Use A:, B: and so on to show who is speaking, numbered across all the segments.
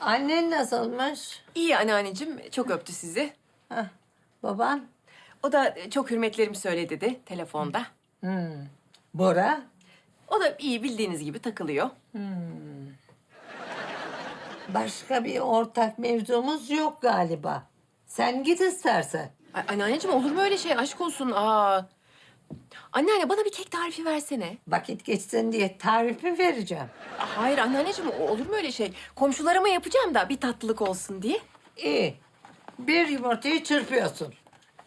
A: Annen nasılmış?
B: İyi anneanneciğim, çok öptü sizi.
A: Heh, baban?
B: O da çok hürmetlerimi söyle dedi telefonda.
A: Bora?
B: O da iyi bildiğiniz gibi takılıyor.
A: Başka bir ortak mevzumuz yok galiba. Sen git istersen.
B: Ay, anneanneciğim olur mu öyle şey? Aşk olsun. Anneanne bana bir kek tarifi versene.
A: Vakit geçsin diye tarifi vereceğim.
B: Hayır anneanneciğim olur mu öyle şey? Komşularıma yapacağım da bir tatlılık olsun diye.
A: İyi. Bir yumurtayı çırpıyorsun.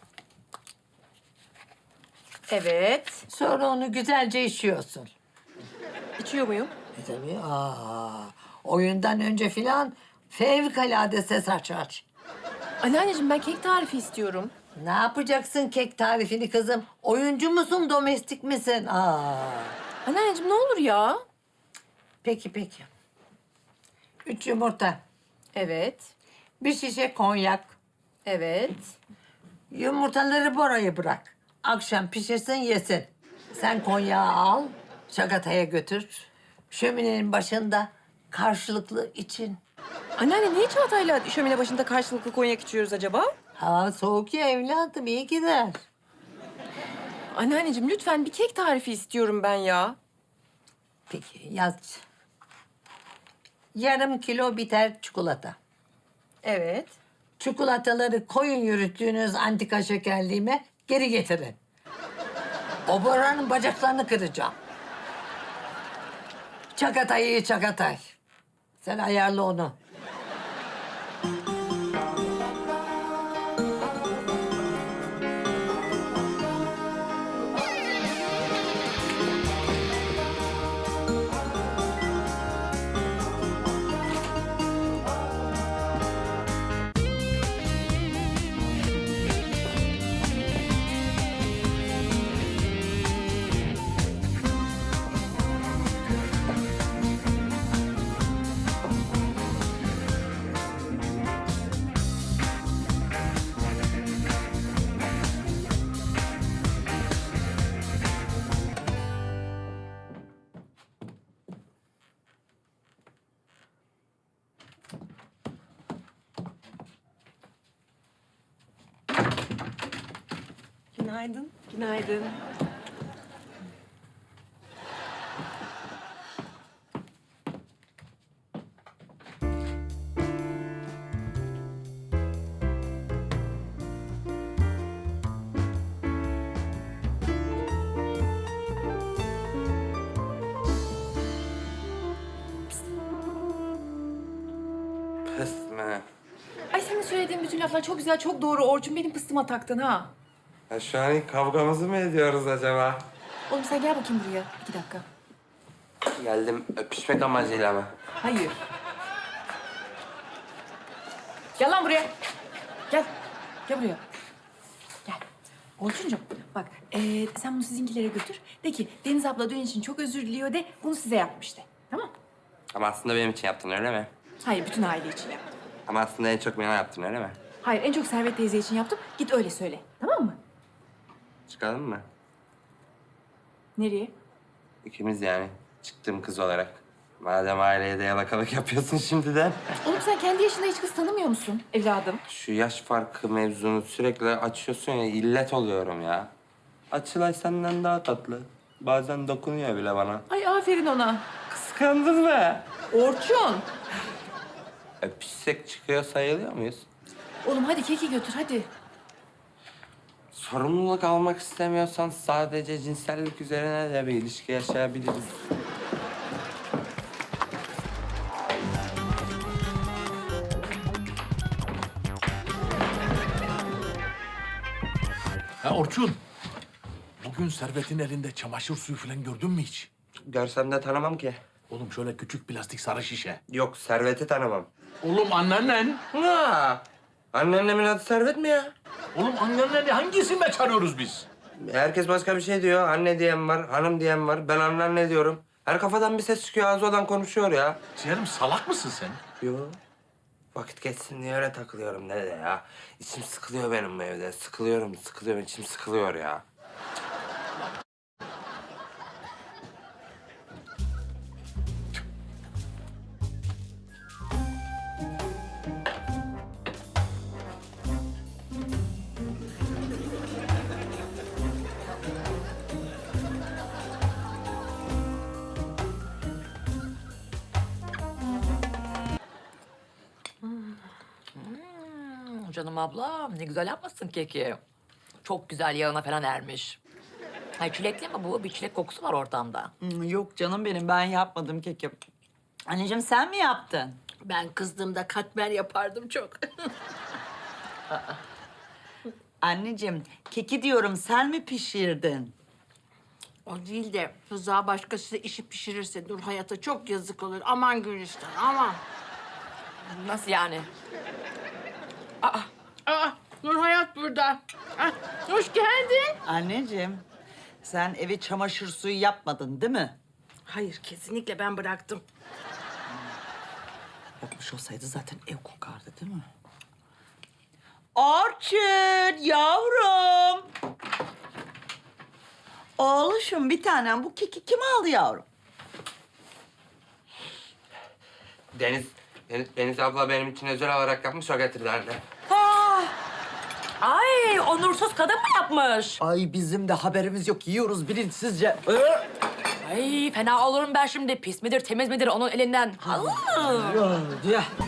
B: Evet.
A: Sonra onu güzelce işiyorsun.
B: İçiyor muyum?
A: Tabii. Oyundan önce filan fevkalade ses açar.
B: Anneanneciğim ben kek tarifi istiyorum.
A: Ne yapacaksın kek tarifini kızım? Oyuncu musun, domestik misin?
B: Anneanneciğim ne olur ya.
A: Peki. 3 yumurta,
B: Evet.
A: bir şişe konyak.
B: Evet.
A: Yumurtaları Bora'ya bırak. Akşam pişirsin yesin. Sen konyağı al, şakataya götür. Şöminenin başında karşılıklı için.
B: Anneanne niye Çağatay'la şömine başında karşılıklı konyak içiyoruz acaba?
A: Hava soğuk ya evladım, iyi gider.
B: Anneanneciğim lütfen bir kek tarifi istiyorum ben ya.
A: Peki yaz. Yarım kilo biter çikolata.
B: Evet.
A: Çikolataları koyun yürüttüğünüz antika şekerliğime geri getirin. O Bora'nın bacaklarını kıracağım. Çakatay. Sen ayarla onu.
B: Günaydın. Günaydın.
C: Pısmı.
B: Ay senin söylediğin bütün laflar çok güzel, çok doğru. Orçun benim pıstıma taktın ha.
C: Ya şu an kavgamızı mı ediyoruz acaba?
B: Oğlum sen gel bakayım buraya. 2 dakika.
C: Geldim öpüşmek amacıyla mı?
B: Hayır. Gel lan buraya. Gel. Gel buraya. Gel. Orçuncuğum bak sen bunu sizinkilere götür. De ki Deniz abla dün için çok özür diliyor de bunu size yapmıştı. Tamam?
C: Ama aslında benim için yaptın öyle mi?
B: Hayır bütün aile için yaptım.
C: Ama aslında en çok bana yaptın öyle mi?
B: Hayır en çok Servet teyze için yaptım. Git öyle söyle. Tamam mı?
C: Çıkalım mı?
B: Nereye?
C: İkimiz yani. Çıktığım kız olarak. Madem aileye de yalakalık yapıyorsun şimdiden.
B: Oğlum sen kendi yaşında hiç kız tanımıyor musun evladım?
C: Şu yaş farkı mevzunu sürekli açıyorsun ya, illet oluyorum ya. Açılay senden daha tatlı. Bazen dokunuyor bile bana.
B: Ay aferin ona.
C: Kıskandın mı?
B: Orçun.
C: Öpüşsek çıkıyor sayılıyor muyuz?
B: Oğlum hadi keki götür hadi.
C: Sorumluluk almak istemiyorsan sadece cinsellik üzerine de bir ilişki yaşayabiliriz.
D: Ha Orçun, bugün Servet'in elinde çamaşır suyu falan gördün mü hiç?
C: Görsem de tanımam ki.
D: Oğlum şöyle küçük plastik sarı şişe.
C: Yok, Servet'i tanımam.
D: Oğlum anneannen.
C: Ha! Anneannemin adı Servet mi ya?
D: Oğlum anneanneni hangisinde çağırıyoruz biz?
C: Herkes başka bir şey diyor. Anne diyen var, hanım diyen var. Ben anneanne diyorum. Her kafadan bir ses çıkıyor, ağzı olan konuşuyor ya.
D: Ciğerim salak mısın sen?
C: Yok. Vakit geçsin diye öyle takılıyorum dede ya. İçim sıkılıyor benim bu evde. Sıkılıyorum, içim sıkılıyor ya.
E: canım abla. Ne güzel yapmışsın keki. Çok güzel yağına falan ermiş. Ay çilekli mi bu? Bir çilek kokusu var ortamda.
F: Yok canım benim, ben yapmadım keki. Anneciğim sen mi yaptın?
G: Ben kızdığımda katmer yapardım çok.
F: Anneciğim keki diyorum, sen mi pişirdin?
G: O değil de Rıza başkası işi pişirirse Nur Hayat'a çok yazık olur. Aman Gülistan, aman.
E: Nasıl yani?
G: Aa, Nur Hayat burada. Ah, hoş geldin.
F: Anneciğim sen evi çamaşır suyu yapmadın değil mi?
G: Hayır, kesinlikle ben bıraktım.
F: Yapmış olsaydı zaten ev kokardı değil mi? Orçun yavrum. Oğluşum bir tanem, bu keki kim aldı yavrum?
C: Deniz abla benim için özel olarak yapmış, o getirdi anne.
E: Ay onursuz kadın mı yapmış?
F: Ay bizim de haberimiz yok, yiyoruz bilinçsizce.
E: Ay fena olurum ben şimdi. Pis midir temiz midir onun elinden? Allah!
F: Ya.